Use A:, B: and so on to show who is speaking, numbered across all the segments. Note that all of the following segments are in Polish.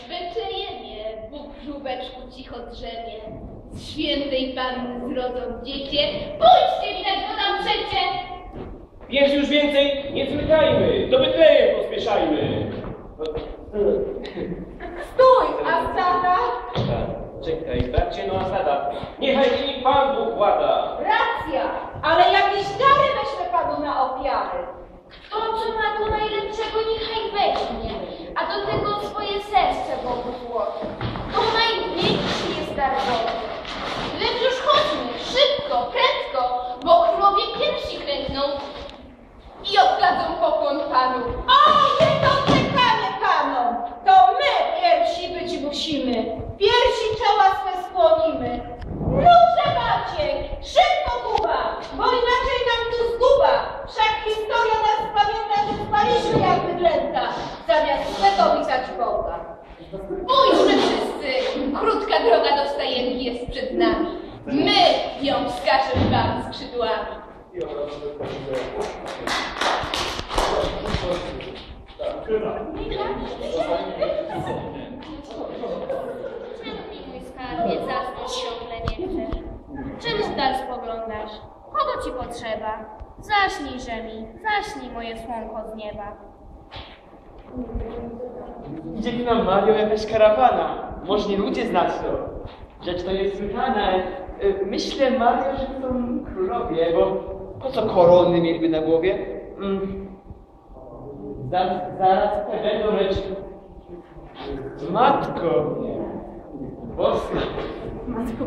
A: Betlejemie, Bóg w żółbeczku cicho drzemie. Z świętej Panny zrodzą dziecię. Pójdźcie, widać go tam przecie!
B: Jest już więcej, nie zwlekajmy, do Betlejem pospieszajmy.
C: Stój, a stada?
B: Czekaj, bracie, no a stada. Niechaj mi Pan Bóg włada.
C: Racja, ale jakieś dary weźmy Panu na ofiary.
A: To, co ma tu najlepszego, niechaj weźmie, a do tego swoje serce Bogu złoży. To największy jest dar Boży. Lecz już chodźmy, szybko, prędko, bo królowie pierwsi klękną i oddadzą pokłon Panu.
C: O, nie doczekamy Panom! To my pierwsi być musimy. Pierwsi czoła swe skłonimy. Róże Maciek, szybko Kuba, bo inaczej nam tu zguba. Wszak historia nas pamięta, że spaliśmy jak bydlęta, zamiast swego witać Boga.
A: Pójdźmy wszyscy, krótka droga do stajenki jest przed nami. My ją wskażemy wam skrzydłami.
D: Czemu mi, mój skarbie, zasnąć ciągle nie chcesz? Czym w dal spoglądasz? Kogo ci potrzeba? Zaśnij, mi, zaśnij moje słonko z nieba.
E: Idzie tu nam, Mario, jakaś karawana. Może nie ludzie znać to. Rzecz to jest słychana. Myślę, Mario, że to są królowie, bo po co korony mieliby na głowie? Zaraz będą, lecz... Matko! Boska!
C: Matko.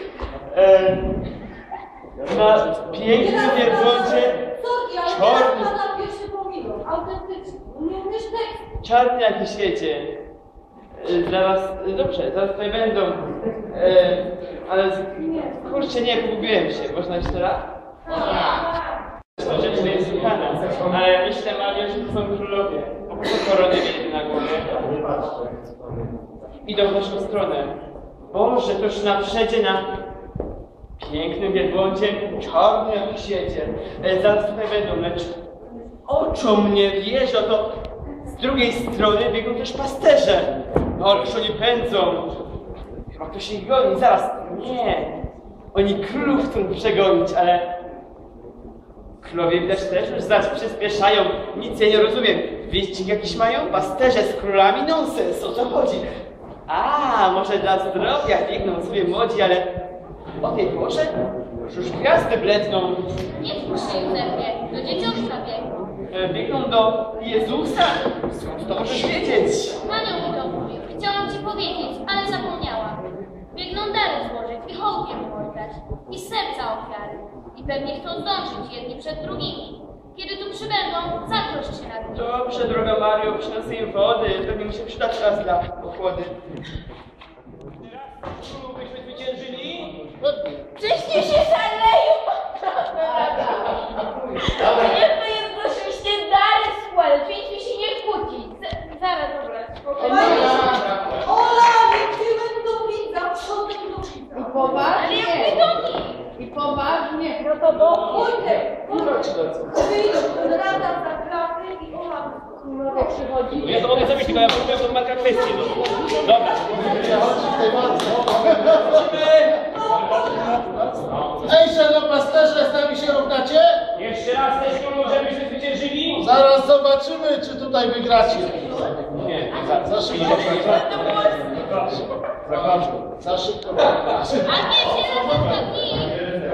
E: Na pięknym wielbłądzie czarny...
C: Pana pierwszy pominą, autentycznie. Nie umiesz tekstu.
E: Czarny jak świecie. Zaraz, dobrze, zaraz tutaj będą. Ale kurczę, nie, pogubiłem się. Można jeszcze raz? Rzecz to jest słuchana. Ale myślę, Mario, że to są królowie. Po prostu korony mieli na głowie. Idą w naszą stronę. Boże, toż na przedzie na pięknym wielbłądzie, czarny jak świecie. Zaraz tutaj będą, lecz oczom nie wierzę, to z drugiej strony biegną też pasterze. No, ależ oni pędzą. Chyba ktoś ich goni, zaraz. Nie. Oni królów chcą przegonić, ale królowie widać też już zaraz przyspieszają. Nic ja nie rozumiem. Wyścig jakiś mają? Pasterze z królami? Nonsens, o co chodzi? A, może dla zdrowia biegną sobie młodzi, ale o tej porze już gwiazdy bledną.
D: Nie wpuść się, Józefie, do dzieciątka biegną.
E: Biegną do Jezusa? Skąd to możesz wiedzieć?
D: Panią mi to mówił. Chciałam ci powiedzieć, ale zapomniałam. Biegną dary złożyć i hołd mu oddać. I z serca ofiary. I pewnie chcą zdążyć jedni przed drugimi. Kiedy tu przybędą, zatroszcz się nad nimi.
E: Dobrze, droga Mario, przyniosę im wody. Pewnie mi się przyda czas dla ochłody.
B: Królu byśmy zwyciężyli?
C: Czyście się szaleją! Jedno jednocześnie dary składać, więc się nie kłócić. Zaraz, dobra, spokojnie. Ola, ty będą widza, przodem do widza.
F: I poważnie. I poważnie.
C: No to do pójdę. Wyjdą, rada za kraty i Ola.
F: Królowie przychodzi.
B: Ja to mogę zrobić, tylko ja powiem tą markę kwestię. No. Dobra.
G: Ej, szanowni pasterze, z nami się równacie?
B: Jeszcze raz też królu, żebyśmy zwyciężyli?
G: Zaraz zobaczymy, czy tutaj wygracie.
B: Nie,
G: Za szybko. Za szybko.
D: A nie się rozhodnij!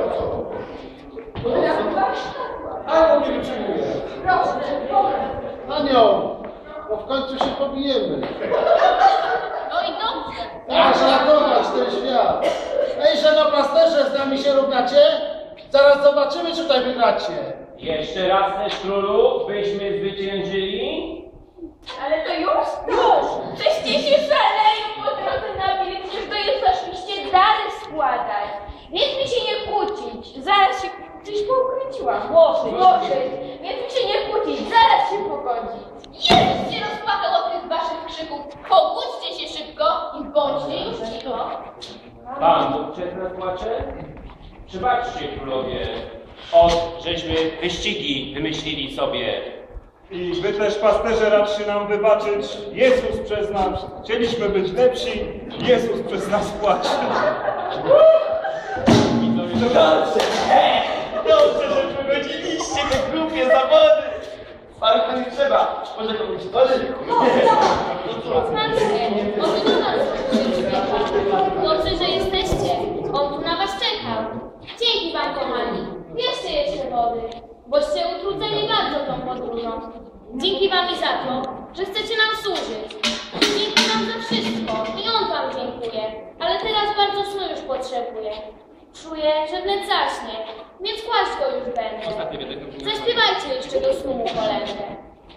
G: A, nie wytrzymuję.
C: Proszę, proszę.
G: Anioł, bo w końcu się pobijemy.
D: No i dobrze.
G: Masz ratować ten świat. Ej, szanowni pasterze, z nami się równacie? Zaraz zobaczymy, czy tutaj wygracie.
B: Jeszcze raz też królu, byśmy zwyciężyli?
C: Ale to już? Już! Czyście się szaleją po drodze na wilk, że to jest oczywiście dary składać. Więc mi się nie kłócić. Zaraz się gdzieś poukręciłam. Może. Więc mi się nie kłócić. Zaraz się pogodzić.
A: Jezus się rozpłakał od tych waszych krzyków. Pogódźcie się szybko i bądźcie już cicho.
B: Pan Bóg przez nas płacze? Przebaczcie, królowie, żeśmy wyścigi wymyślili sobie.
H: I wy też, pasterze, radszy nam wybaczyć. Jezus przez nas. Chcieliśmy być lepsi. Jezus przez nas płaci.
E: Dobrze, że wygodziliście te głupie zawody. Parka nie trzeba. Może komuś wody?
D: Patrzcie, on tu na nas przyjdzie. Dobrze, że jesteście. On tu na was czekał. Dzięki wam, kochani. Jeszcze wody, boście utrudzeni bardzo tą podróżą. Dzięki wam i za to, że chcecie nam służyć. Dzięki wam za wszystko i on wam dziękuję. Ale teraz bardzo snu już potrzebuję. Czuję, że wnet zaśnie, więc kłaść go już będę. Zaśpiewajcie jeszcze do snu mu kolędę.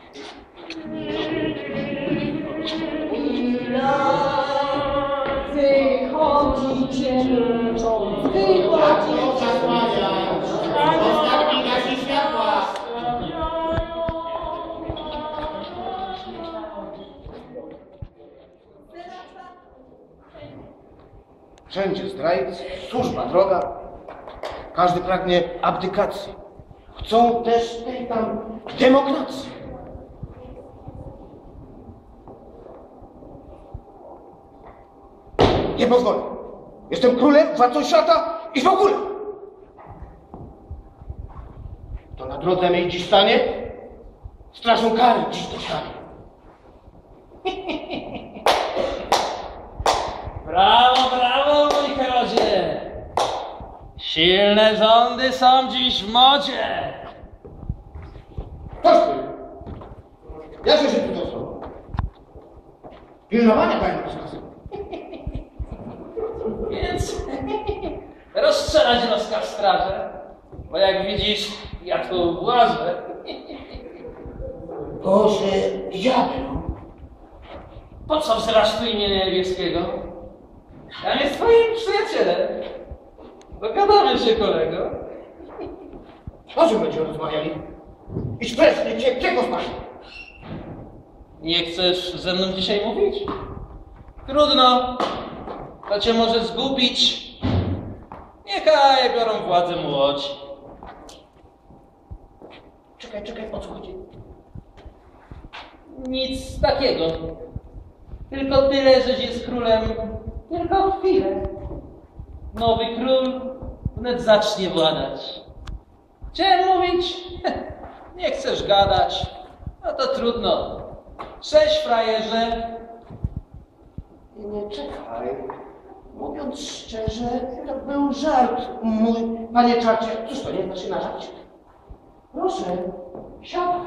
C: Wychodzicie, wychodzicie.
G: Ostatni gasi światła. Wszędzie zdrajcy, służba droga. Każdy pragnie abdykacji. Chcą też tej tam demokracji. Nie pozwolę. Jestem królem, władcą świata i w ogóle. To na drodze mej dziś stanie, strażą kary dziś dostanie.
I: Brawo, brawo, mój Herodzie! Silne rządy są dziś w modzie!
G: Toż ty! Jakże się tu dostał? Pilnowania panie rozkazu.
I: Więc rozstrzelać rozkaz straży, bo jak widzisz, ja tu włażę.
G: Boże, diablu!
I: Po co wzywasz tu imię niebieskiego? Ja jest twoim przyjacielem. Dogadamy się, kolego.
G: O czym będziemy rozmawiali? Idź precz, nie cię, czego spać?
I: Nie chcesz ze mną dzisiaj mówić? Trudno. To cię może zgubić. Niechaj biorą władzę młodzi.
G: Czekaj, o co chodzi?
I: Nic takiego. Tylko tyle, żeś jest królem tylko chwilę. Nowy król wnet zacznie władać. Chciałem mówić, nie chcesz gadać, no to trudno. Cześć, frajerze.
G: Nie, czekaj. Mówiąc szczerze, to był żart, mój panie Czarcie. Cóż to, nie znasz się na żarcie? Proszę, siadaj.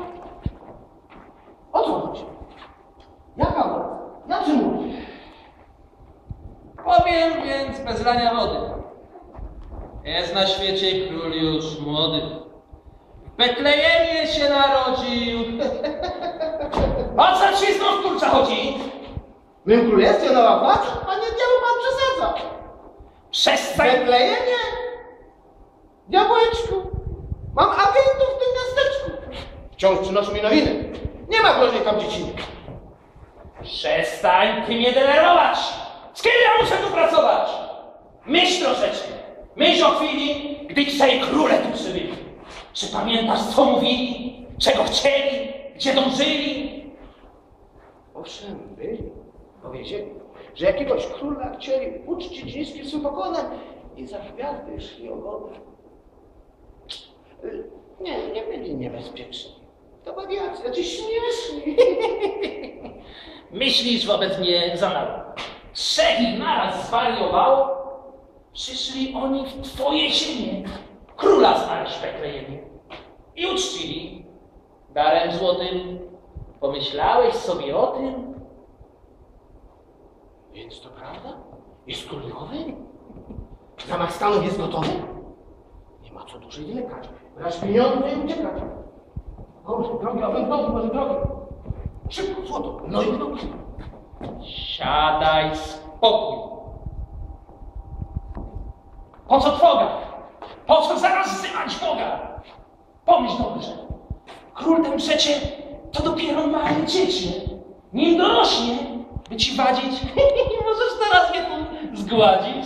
G: O co chodzi? Jaka władza? Jacy mówisz?
I: Powiem więc bez lania wody. Jest na świecie król już młody. W Betlejemie się narodził. O co ci znów, kurcza, chodzi?
G: W mym królestwie nowa władza? Panie diabł, pan przesadza. W
I: Przestań!
G: Betlejemie? Diabłeczku, mam agentów w tym miasteczku. Wciąż przynoszą mi nowiny. Nie ma groźnej tam dzieciny.
I: Przestań ty mnie denerwować! Z kim ja muszę tu pracować? Myśl troszeczkę. Myśl o chwili, gdy trzej króle tu przybyli. Czy pamiętasz, co mówili? Czego chcieli? Gdzie dążyli?
G: Owszem, byli. Powiedzieli, że jakiegoś króla chcieli uczcić niskim swym pokonem i za gwiazdy szli ogonem. Nie byli niebezpieczni. To wariacy, jacyś śmieszni.
I: Myślisz wobec mnie za mało. Trzech ich naraz zwariowało. Przyszli oni w twoje ziemię. Króla znaleźć w Betlejemie. I uczcili. Darem złotym. Pomyślałeś sobie o tym?
G: Więc to prawda? Jest król nowy? Zamach stanu jest gotowy? Nie ma co dłużej wlekać. Brać pieniądze i uciekać. Boże, drogi, a wędrowy, może drogi. Szybko, złoto, no i drogi.
I: Siadaj spokój. Po co trwoga? Po co zaraz wzywać Boga? Pomyśl dobrze. Król ten przecie to dopiero małe dziecię. Nim dorośnie, by ci wadzić, możesz teraz je tu zgładzić.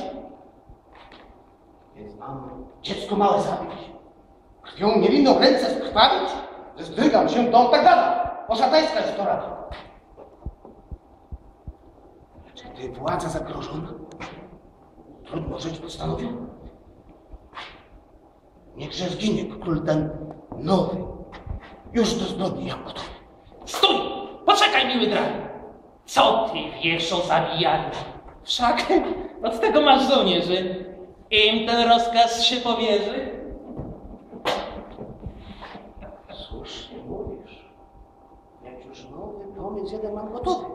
G: Więc mam dziecko małe zabić. Krwią niewinną ręce skrwawić? że zdrygam się, to on tak gada. O szatańska jest to rada. Czy gdy władza zagrożona, trudno żyć postanowiona. Niechże zginie król ten nowy, już do zbrodni jam gotowy.
I: Stój! Poczekaj, miły dragi! Co ty wiesz o zabijaniu? Wszak od tego masz żołnierzy. Im ten rozkaz się powierzy.
G: Słusznie mówisz. Jak już nowy pomysł jeden mam gotowy.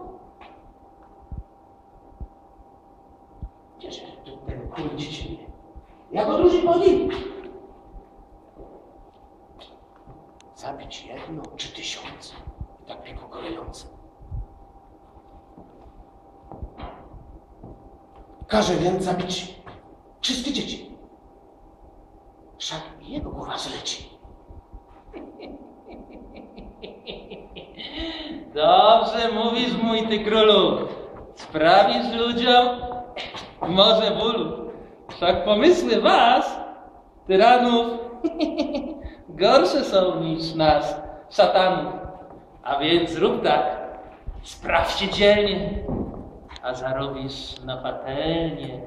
G: Cieszę się, że ten król dziecinny. Ja go dłużej powiem. Zabić 1 czy 1000. I tak mi pokolejące. Każe więc zabić wszystkie dzieci. Wszak jego głowa zleci.
I: Dobrze mówisz, mój ty królu. Sprawisz ludziom może bólu. Wszak pomysły was, tyranów, gorsze są niż nas, szatanów. A więc zrób tak, spraw się dzielnie, a zarobisz na patelnię.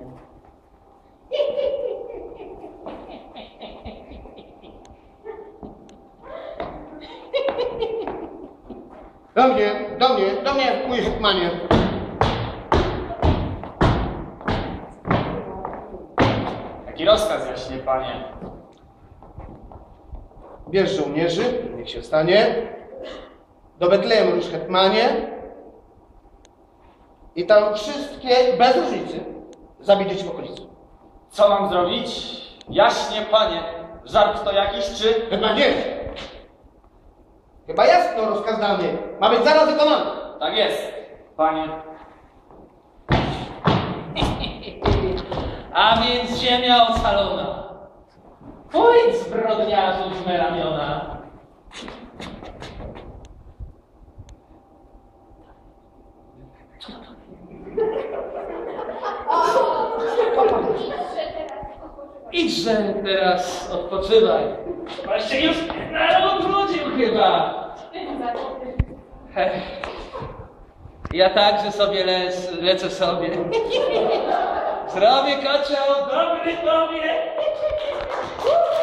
G: Do mnie, mój hetmanie.
E: Jaki rozkaz, jaśnie panie?
G: Bierz żołnierzy, niech się stanie. Do Betlejem rusz, hetmanie. I tam wszystkie, bez różnicy, zabij dzieci w okolicy.
E: Co mam zrobić? Jaśnie panie, żart to jakiś czy...
G: Hetmanie! Chyba jasno rozkaz dany. Ma być zaraz wykonany.
E: Tak jest, panie.
I: A więc ziemia ocalona. Pójdź, zbrodniarzu w me ramiona. Idźże teraz odpoczywaj. Właśnie już naród wrócił chyba. Ja także sobie lecę sobie. Zrobię kocioł dobry tobie.